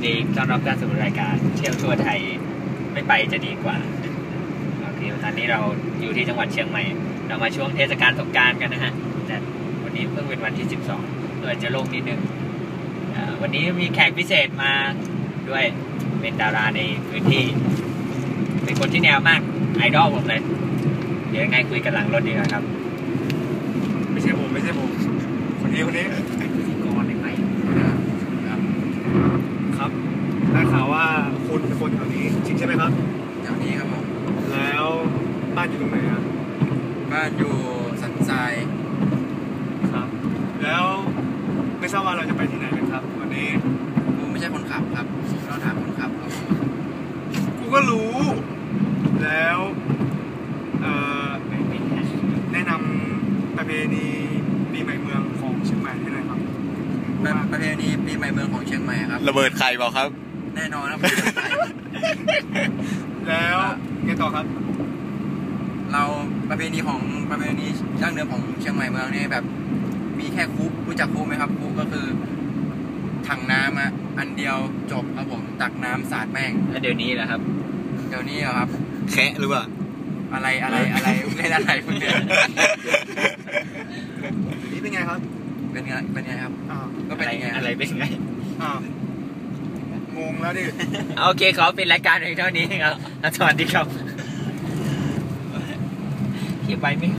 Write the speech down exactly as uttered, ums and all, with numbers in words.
ดีต้อนรับท่านสู่รายการเที่ยวทั่วไทยไม่ไปจะดีกว่าโอเคตอนนี้เราอยู่ที่จังหวัดเชียงใหม่เรามาช่วงเทศกาลสงกรานต์กันนะฮะแต่วันนี้เพิ่งเป็นวันที่สิบสองเลยจะโล่งนิดนึงวันนี้มีแขกพิเศษมาด้วยเป็นดาราในพื้นที่เป็นคนที่แนวมากไอดอลผมเลยเดี๋ยวยังไงคุยกันหลังรถดีกว่าครับไม่ใช่ผมไม่ใช่ผมคนนี้คนนี้พิธีกรได้ไหมครับครับได้ข่าวว่าคุณเป็นคนแถวนี้จริงใช่ไหมครับแถวนี้ครับผมแล้วบ้านอยู่ตรงไหนอ่ะบ้านอยู่สันทรายครับแล้วไม่ทราบว่าเราจะไปที่ไหนกันครับวันนี้กูไม่ใช่คนขับครับเราถามคนขับครับกูก็รู้แล้วเอ่อแนะนำประเพณีปีใหม่เมืองของเชียงใหม่ให้หน่อยครับประเพณีปีใหม่เมืองของเชียงใหม่ครับระเบิดไข่เปล่าครับแน่นอนครับแล้วไงต่อครับเราประเพณีของประเพณีดั้งเดิมของเชียงใหม่เมืองนี่แบบมีแค่คุกรู้จักคุกไหมครับคุกก็คือถังน้ำอ่ะอันเดียวจบครับผมตักน้ำสาดแม่งแล้วเดี๋ยวนี้แหละครับเดี๋ยวนี้เหรอครับแคะหรือเปล่าอะไรอะไรอะไรเล่นอะไรพวกเนี้ยนี่เป็นไงครับเป็นไงเป็นไงครับก็เป็นไงอะไรเป็นไงงงแล้วดิโอเคขอเป็นรายการเพียงเท่านี้ครับสวัสดีครับเขียนไปไหม